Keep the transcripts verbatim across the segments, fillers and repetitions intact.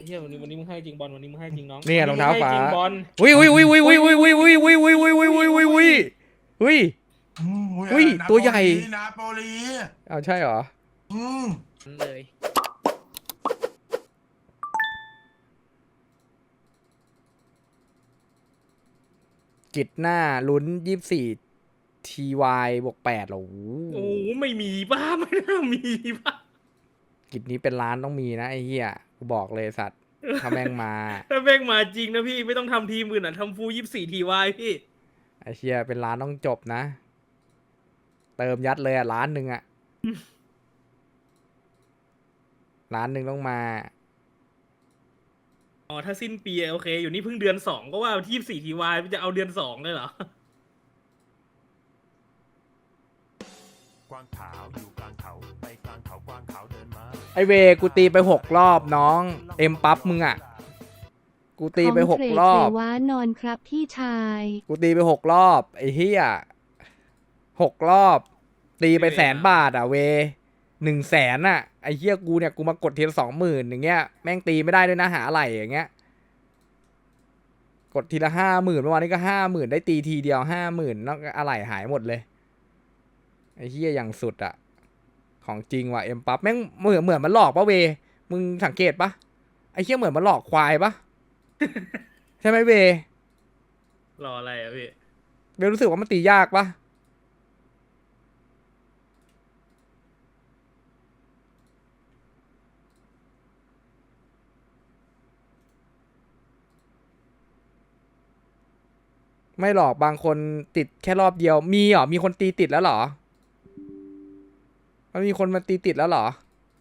เฮียวันนี้วันนี้มึงให้จริงบอลวันนี้มึงให้จริงน้องเนี่ยรองเท้าฟ้าจริงบอลวิววิววิววิววิววิววิววิววิววิววิววิววิววิววิววิอืมอุ้ยตัวใหญ่นาโปลีเอาใช่เหรออืมเลยกิจหน้าลุ้นยี่สิบสี่ทีวายบวกแปดเหรอโอ้ไม่มีป้าไม่น่ามีป้ากิจนี้เป็นล้านต้องมีนะไอ้เหี้ยกูบอกเลยสัตว์ถ้าแม่งมาถ้าแม่งมาจริงนะพี่ไม่ต้องทำทีมอื่นอ่ะทำฟูยี่สิบสี่ทีวายพี่ไอ้เชี่ยเป็นล้านต้องจบนะ เติมยัดเลยอ่ะล้านหนึ่งอ่ะ ล้านหนึ่งต้องมาอ๋อถ้าสิ้นปีโอเคอยู่นี่เพิ่งเดือนสองก็ว่ายี่สิบสี่ทีวายจะเอาเดือนสองเลยเหรอกวางขาวอยู่กลางเขาไปกลางเขากวางขาวเดินมาไอเวกูตีไปหกรอบน้องเอ็มปั๊บมึงอ่ะกูตีไปหกรอบของเทรดเสวานอนครับพี่ชายกูตีไปหกรอบไอ้เหี้ยหกรอบ ตีไปแสนบาทอ่ะเวหนึ่งแสนอ่ะไอ้เหี้ยกูเนี่ยกูมากดทีละสองหมื่นอย่างเงี้ยแม่งตีไม่ได้ด้วยนะหาอะไรอย่างเงี้ยกดทีละห้าหมื่นเมื่อวานนี้ก็ห้าหมื่นได้ตีทีเดียวห้าหมื่นนอกอะไรหายหมดเลยไอ้เหี้ยอย่างสุดอ่ะของจริงว่ะเอ็มปั๊บแม่งเหมือนเหมือนมันหลอกปะเวมึงสังเกตปะไอ้เหี้ยเหมือนมันหลอกควายปะ ใช่ไหมเวรออะไรอ่ะพี่เวรู้สึกว่ามันตียากปะไม่หรอกบางคนติดแค่รอบเดียว มีเหรอ มีคนตีติดแล้วเหรอ มันมีคนมาตีติดแล้วเหรอ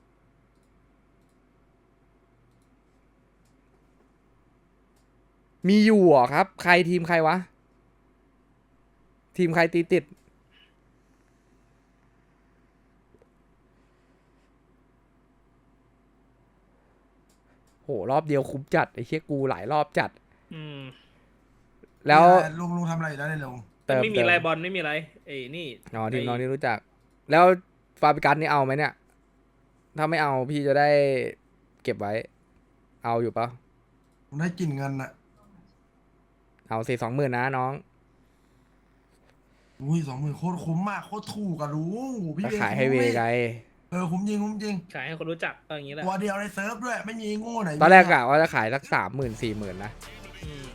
มีอยู่เหรอครับ ใครทีมใครวะ ทีมใครตีติด โหรอบเดียวคุ้มจัดไอ้เชี่ยกูหลายรอบจัดอืมแล้วลุงลุงทำอะไรอยู่แล้วเนี่ยลุงเติมไม่มีเติมอะไรบอลไม่มีอะไรเอ้นี่อ๋อทีมน้องที่รู้จัก แล้วฟาบิกัสนี่เอาไหมเนี่ย ถ้าไม่เอาพี่จะได้เก็บไว้ เอาอยู่ปะผมได้กินเงินอะเอาสี่สองหมื่นนะน้องอุ้ยสองหมื่นโคตรคุ้มมากโคตรถูกอะลุงพี่ก็เวขายให้เวไงเออคุ้มจริงคุ้มจริงขายให้คนรู้จักก็อย่างนี้แหละตัวเดียวในเซิร์ฟด้วยไม่มีโง่ไหนตอนแรกกะว่าจะขายสักสามหมื่นสี่หมื่นนะอืม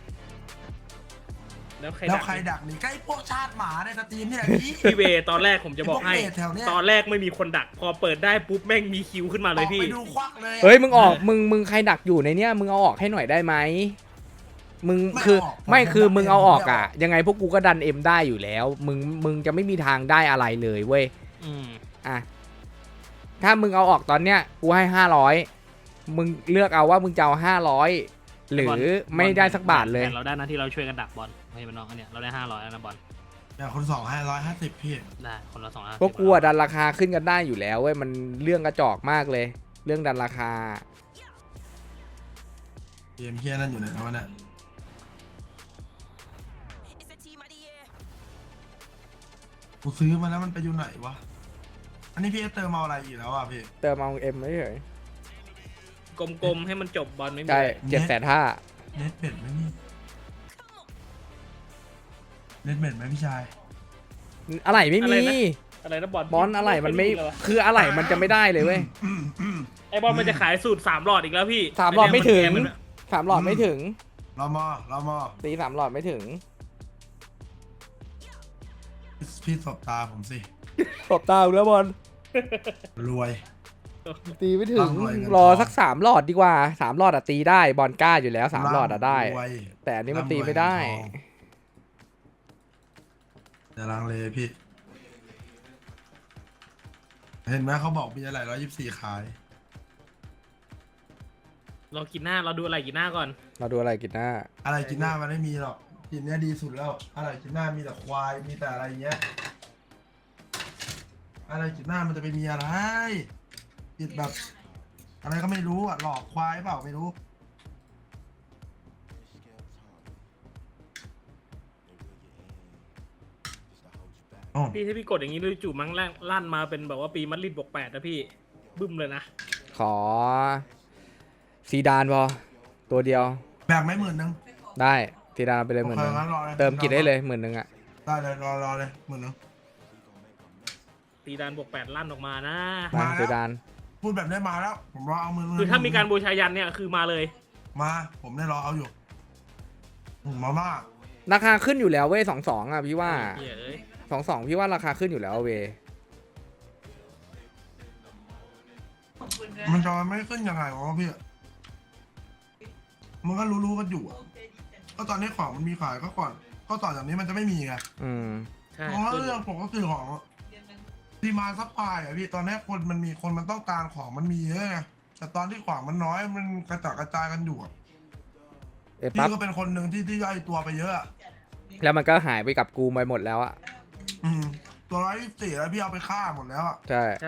แล้วใครแล้วดักใครดักนี่ใกล้พวกชาติหมาในสตรีมเนี่ยพี่พี่เวตอนแรกผมจะบอกให้ไอ้พวกเบสแถวเนี้ยตอนแรกไม่มีคนดัก พอเปิดได้ปุ๊บแม่งมีคิวขึ้นมาเลยพี่ออกไปดูควักเลยอะเฮ้ยมึงออกมึงมึงใครดักอยู่ในเนี้ยมึงเอาออกให้หน่อยได้ไหมมึงไม่คือออกผมไม่ผมคือดันมึงเองเอาออกผมไม่อ่ะออกยังไงพวกกูก็ดันเอ็มได้อยู่แล้ว มึงมึงจะไม่มีทางได้อะไรเลยเว้ยอืมอ่ะถ้ามึงเอาออกตอนเนี้ยกูให้ห้าร้อยมึงเลือกเอาว่ามึงจะเอาห้าร้อยหรือไม่ได้สักบาทเลยแต่เราได้นะที่เราช่วยกันดักบอลให้มันน้องอันเนี้ยเราได้ห้าร้อยแล้วนะบอลแต่คนสองห้าร้อยห้าสิบพี่ได้คนละสองห้าพวกกูอะดันราคาขึ้นกันได้อยู่แล้วเว้ยมันเรื่องกระจอกมากเลย เรื่องดันราคาเกมเฮียนั่นอยู่ไหนวะเนี่ยกูซื้อมาแล้วมันไปอยู่ไหนวะอันนี้พี่เติมเอาอะไรอีกแล้วอ่ะพี่เติมเอาเอ็มไม่เฉยกลมๆให้มันจบบอลไม่มีใช่อะไรเจ็ดแสนห้าเน็ตเป็ดไหมนี่เน็ตเป็ดไหมพี่ชายอะไรไม่มีอะไรนะบอลบอลอะไรมันไม่คืออะไรมันจะไม่ได้เลยเว้ยไอบอลมันจะขายสูตรสามหลอดอีกแล้วพี่สามหลอดไม่ถึงนเนี้ยนสามหลอดไม่ถึงรอมอรอมอตีสามหลอดไม่ถึงพี่สบตาผมสิตบตาแล้วบอลรวยตีไม่ถึงร่ำรวยเงินทองรอสักสามหลอดดีกว่าสามหลอดอะตีได้บอลกล้าอยู่แล้วสามหลอดอะได้รวยแต่อันนี้มันตีไม่ได้อย่าลังเลพี่ เห็นไหมเขาบอกมีอะไรร้อยยี่สิบสี่ขายเรากินหน้าเราดูอะไรกินหน้าก่อนเราดูอะไรกินหน้าอะไรกินหน้ามันไม่มีหรอกกินเนี้ยดีสุดแล้ว อะไรกินหน้ามีแต่ควายมีแต่อะไรเงี้ย อะไรกินหน้ามันจะไปมีอะไรกินแบบ อะไรก็ไม่รู้อ่ะหลอกควายเปล่าไม่รู้ อ๋อพี่ถ้าพี่กดอย่างนี้ด้วยจู่มั้งลั่นมาเป็นแบบว่าปีมัดริดบวกแปดนะพี่บึ้มเลยนะขอซีดานพอตัวเดียวแบ่งไม่หมื่นหนึงได้ซีดานเอาไปเลยหโอมื่นเคหนึ่งงั้นรอเลยเติมกิจได้เลยหมื่นหนึ่งอ่ะได้เลยรอรอเลยหมื่นหนึงตีดานบวกแปดลั่นออกมานะมามาแล้วซีดานพูดแบบนี้มาแล้ว ผมรอเอามือคือถ้ามีการบูชายันเนี่ยคือมาเลยมา ผมได้รอเอาอยู่อืมมาม่าราคาขึ้นอยู่แล้วเว้ยสองสองอ่ะพี่ว่าเหี้ยเอ้ยสองสองพี่ว่าราคาขึ้นอยู่แล้วเว้ยมันจะไม่ขึ้นยังไงวะพี่มันก็รู้ๆกันอยู่อะก็ตอนนี้ของมันมีขายก็ก่อน ก็ต่อจากนี้มันจะไม่มีไงอืมใช่เพราะว่าขึ้นเรื่องปกติของดีมาซัพพลายอะพี่ตอนนี้คนมันมีคนมันต้องการของมันมีเยอะไงแต่ตอนที่ของมันน้อยมันกระจัดกระจายกันอยู่อะเอยปั๊บพี่ก็เป็นคนหนึ่งที่ที่ย่อยตัวไปเยอะอะแล้วมันก็หายไปกับกูไปหมดแล้วอ่ะอืมตัวร้อยยี่สิบสี่แล้วพี่เอาไปฆ่าหมดแล้วอะใช่ใช่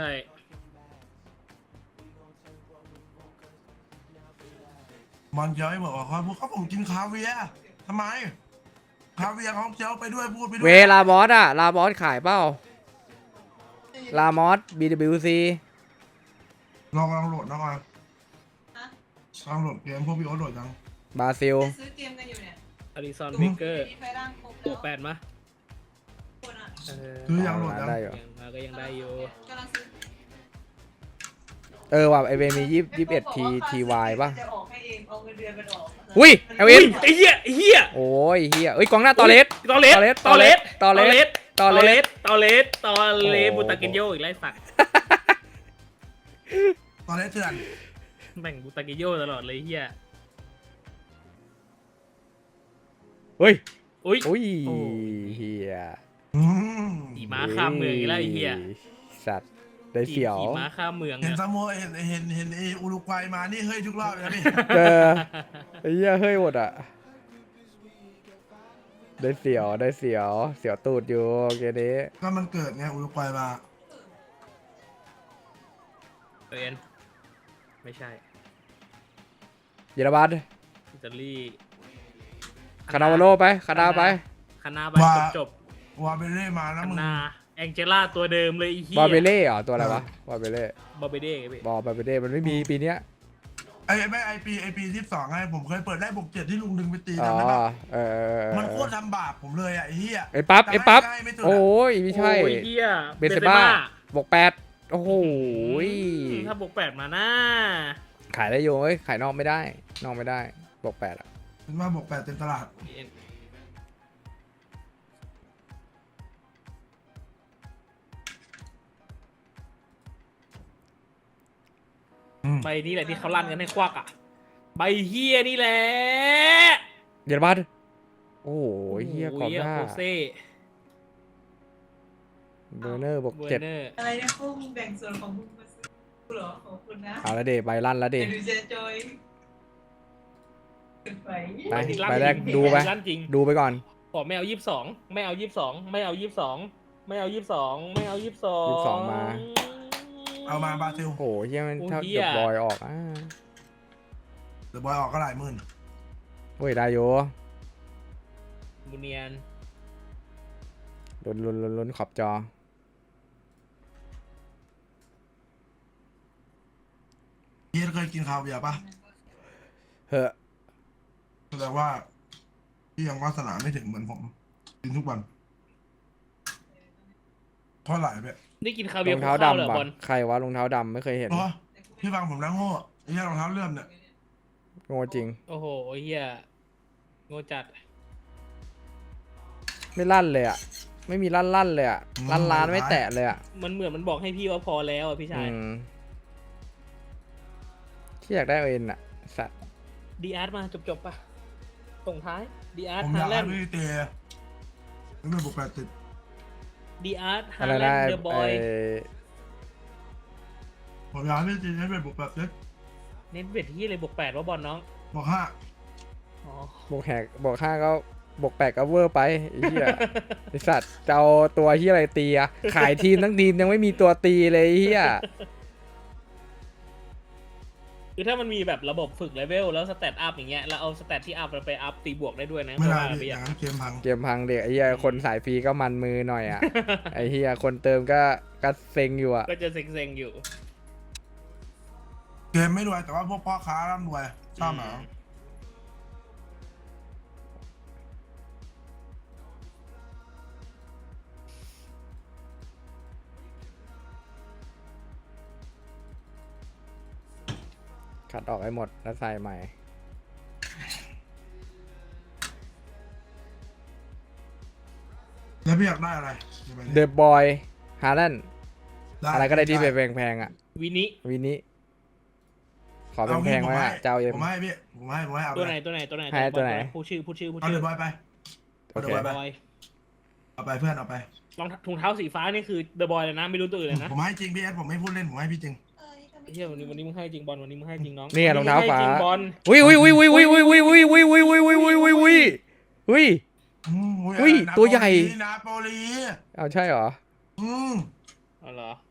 มันเจ้าให้บอกว่าเขาพูดเขาผมกินคาเวียร์ทำไมคาเวียร์ของเจ้าไปด้วยพูดไปด้วเวย ลาบอสอ่ะลาบอสขายเปล่าลามอส บี ดับเบิลยู ซีลองลองโหลดนะก่อนลองโหลดเกมพวกพี่โอ๊ตโหลดยังบราซิลซื้อเกมกันอยู่เนี่ยอริซอนวิกเกอร์มีไฟร่างครบบวกแปดมาคนอ่ะเออซื้อยังโหลดยังได้อยู่ยังมาก็ยังได้อยู่กำลังซื้อเออว่ะไอเวมียี่ยี่สิบเอ็ดทีทีวายป่ะจะออกให้เองเอาเงินเดือนกันออกอุ้ยเอวินไอ้เหี้ยไอ้เหี้ยโอ้ยเฮียเอ้ยกองหน้าตอเลสตอเลสตอเลสตอเลสตอเลสตอเลสตอเลสตอเลสโอ้บุตากินโยอีกไล่สักตอนนี้เถื่อนแบ่งบุตากินโยตลอดเลยเหี้ยเฮ้ยอุ้ยอุ้ยโอ้เฮียอืมขี่ม้าข้ามเมืองอีกแล้วไอ้เหี้ยสัตว์ได้เสียวขี่ม้าข้ามเมืองเห็นเนี่ยซาโมเห็นเห็นเห็นเออุรุกวัยมานี่เฮ้ยทุกรอบเลยนะพี่เจอไอ้เหี้ยเฮ้ยหมดอ่ะ ได้เสียวได้เสียวเสียวตูดอยู่โอเคนี้ก็มันเกิดไงอุรุกวัยมาเอ็นไม่ใช่เยอรมันอิตาลีคานาวาโลไปคานาไปคานาไปว่าจบจบวาเบเล่มานะคามึงนาแองเจล่าตัวเดิมเลยไอ้เหี้ยบอเบเล่เหรอตัวอะไรวะบอเบเล่บอเบเด้ไงพี่บอบอเบเล่มันไม่มีปีเนี้ยไอ้ไม่ไอปีไอปีที่สองไงผมเคยเปิดได้บวกเจ็ดที่ลุงดึงไปตีอ๋อจำได้ปะเออเออเออมันโคตรทำบาปผมเลยอ่ะไอ้เหี้ยไอ้ปั๊บไอ้ปั๊บแต่ให้ไม่สุดอะโอ้ยไม่ใช่โอ้ยเหี้ยเบนเซบ้าบวกแปดโอ้โหอืมถ้าบวกแปดมานะขายได้โยเอ้ยขายนอกไม่ได้ นอกไม่ได้บวกแปดอ่ะเป็นว่าบวกแปดเต็มตลาดใบนี้แหละที่เขาลั่นกันให้ควักอ่ะใบเฮียนี่แหละเยอรมันโอ้โหเฮียกรอบหน้าโโโเซ่เบอร์เนอร์บวกเวอเจ็ดร์เนอร์อะไรเนี่ยพวกมึงแบ่งส่วนของมึงมาซื้อกูเหรอขอบคุณนะเอาละเดใบลั่นละเดเดี๋ยวดูเจจอยขึ้นไปไปลั่นไปแรกจงดูไปลั่นจริงดูไปก่อนขอไม่เอายี่สิบสองไม่เอายี่สิบสองไม่เอายี่สิบสองไม่เอายี่สิบสองไม่เอายี่สิบสองยี่สิบสองมาเอามาบราซิลโอ้โหเฮียมันโอ้เท่าเหี้เดืยอบบอยออกอ่าเดอะบอยออกก็หลายหมื่นโอ้ยได้โยมูเนียนลุ้นลุ้นลุ้นลุ้นขอบจอเฮียเคยกินคาเวียร์ปะเฮ้อแสดงว่าพี่ยังวาสนาไม่ถึงเหมือนผม กินทุกวันเท่าไหร่เนี่ยนี่กินคาร เวีอยร์งข้าเท้าวเหรอดำบอปะลใครวะรองเท้าดำไม่เคยเห็นโอ้พี่ฟังผมนะโง่ไอ้เหี้ยรองเท้าเลื่อมเนี่ยโง่จริงโอ้โหเฮียโง่จัดไม่ลั่นเลยอ่ะ ไม่มีลั่นลั่นเลยอ่ะลั่นล้านไม่แตะเลยอ่ะมันเหมือนมันบอกให้พี่ว่าพอแล้วอ่ะพี่ชาอืยมที่อยากได้เอ็นอ่ะสัตว์ดีอาร์ตมาจบจบๆปะส่งท้ายดีอาร์ตผมฮาอยากแลให้นด์พี่เตะไม่เป็นบวกแปดติดดีอาร์ตฮาอะไรแลนะนด์ไอ้เดอะบอไอ้ยผมอยากให้พี่เตะให้เป็นบวกแปดติดเน้นเวทที่เลยบวกแปดว่าบอลน้องบวกห้าอ๋อบวกแหกบวกห้าก็บวกแปดก็เวอร์ไปไอ้เหี้ย ไอสัตว์จะเอาตัวที่อะไรตีอะขายทีมทั้งทีมยังไม่มีตัวตีเลยไอ้เหี้ยคือถ้ามันมีแบบระบบฝึกเลเวลแล้วสเตตอัพอย่างเงี้ยแล้วเอาสเตตที่อัพไปอัพตีบวกได้ด้วยนะไม่ได้ว่าพี่ไปออย่าย่าง งนั้นเกมพังเกมพังเด็กไอ้เหี้ยคนสายฟรีก็มันมือหน่อยอะ ไอ้เหี้ยคนเติมก็ก็เซ็งอยู่อะก็จะเซ็งๆอยู่เกมไม่รวยแต่ว่าพวกพ่อค้าร่ำรวยชอบเหรอขัดออกให้หมดแล้วใส่ใหม่แล้วพี่อยากได้อะไรดี๋ยวไปเดอะบอยฮาร์แลนด์ด้อะไรก็ได้ที่แพงๆอ่ะวินิวินิขอแพงๆไว้อะเจ้าเอ็มผมให้พี่ผมให้ผมให้เอาตัวไปไหนตัวไหนตัวไหนให้ตัวไหนพูดชื่อพูดชื่อพูดเอาชื่เดออะบอยไปโอเอาเดเคอะบอยไปบอยเอาไปเพื่อนเอาไปรองถุงเท้าสีฟ้านี่คือเดอะบอยเลยนะไม่รู้ตัวอื่นเลยนะผมให้จริงพี่เอสผมไม่พูดเล่นผมให้พี่จริงเฮียวันนี้วันนี้มึงให้จริงบอลวันนี้มึงให้จริงน้องเนี่ยรองเท้าฟ้าวันนี้มึงให้จริงบอลอุ้ยอุ้ยอุ้ยอุ้ยอุ้ยอุ้ยอุ้ยอุ้ยอุ้ยอุ้ยอุ้ยอุ้ยอุ้ยอุ้ยอุ้ยอืมอุ้ยนาตัวใหญ่นาโปลีเอาใช่เหรออืมอ๋อเหรอ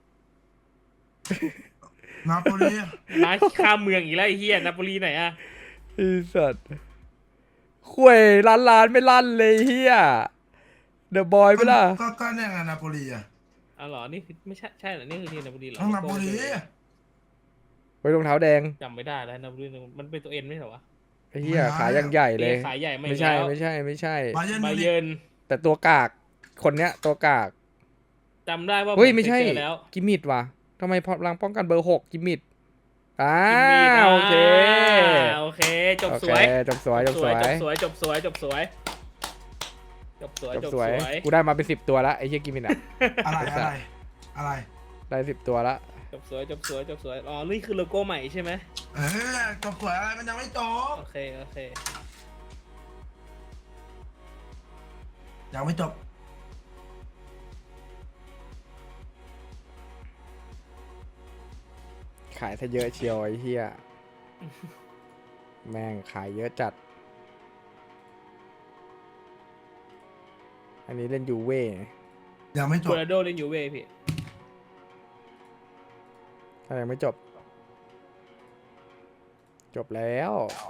นาโปลีน้าข้ามเมืองอีกแล้วไอ้เฮียนาโปลีไหนอะไอ้สัตว์ข่วยล้านล้านไม่ลั่นเลยเฮียเดอะบอยไปล่ะก็ก็เนี่ยไงนาโปลีอ่ะอ๋อเหรอนี่คือไม่ใช่ใช่เหรอนี่คือทีมนาโปลีเหรอต้องนาโปลีไว้รองเท้าแดงจำไม่ได้แล้วนาโปลีมันเป็นตัวเอ็นไม่ใช่เหรอวะไอ้เฮียขายังใหญ่เลยขายใหญ่ไม่ไม่ใช่แล้วไม่ใช่ไม่ใช่บาเยิร์นบามิวนิกเยิร์นแต่ตัวกากคนเนี้ยตัวกากจำได้ว่าเฮ้ยผไม่ใช่เคเจอแล้วกิมมิดว่ะทำไมพอลังป้องกันเบอร์หกกิมมิดอ่ากิมมี่นะโอเคโอเคจบโอสเควยจบสวยจบสวยจบสวยจบสวยจบสวยจบสวยจบจบสสววย ยกูได้มาเป็นสิบตัวละไอ้เฮียกิมมิดอ่ะอะไรอะไรอะไรได้สิบตัวละจบสวยจบสวยจบสวยอ๋อนี่คือโลโก้ใหม่ใช่ไหมเออจบสวยอะไรมันยังไม่จบโอเคโอเคยังไม่จบขายซะเยอะเชียวไอ้เฮียแม่งขายเยอะจัด อันนี้เล่นยูเว่ยังไม่จโคบโลราโดเล่นยูเว่พี่ถ้ายังไม่จบ จบแล้ว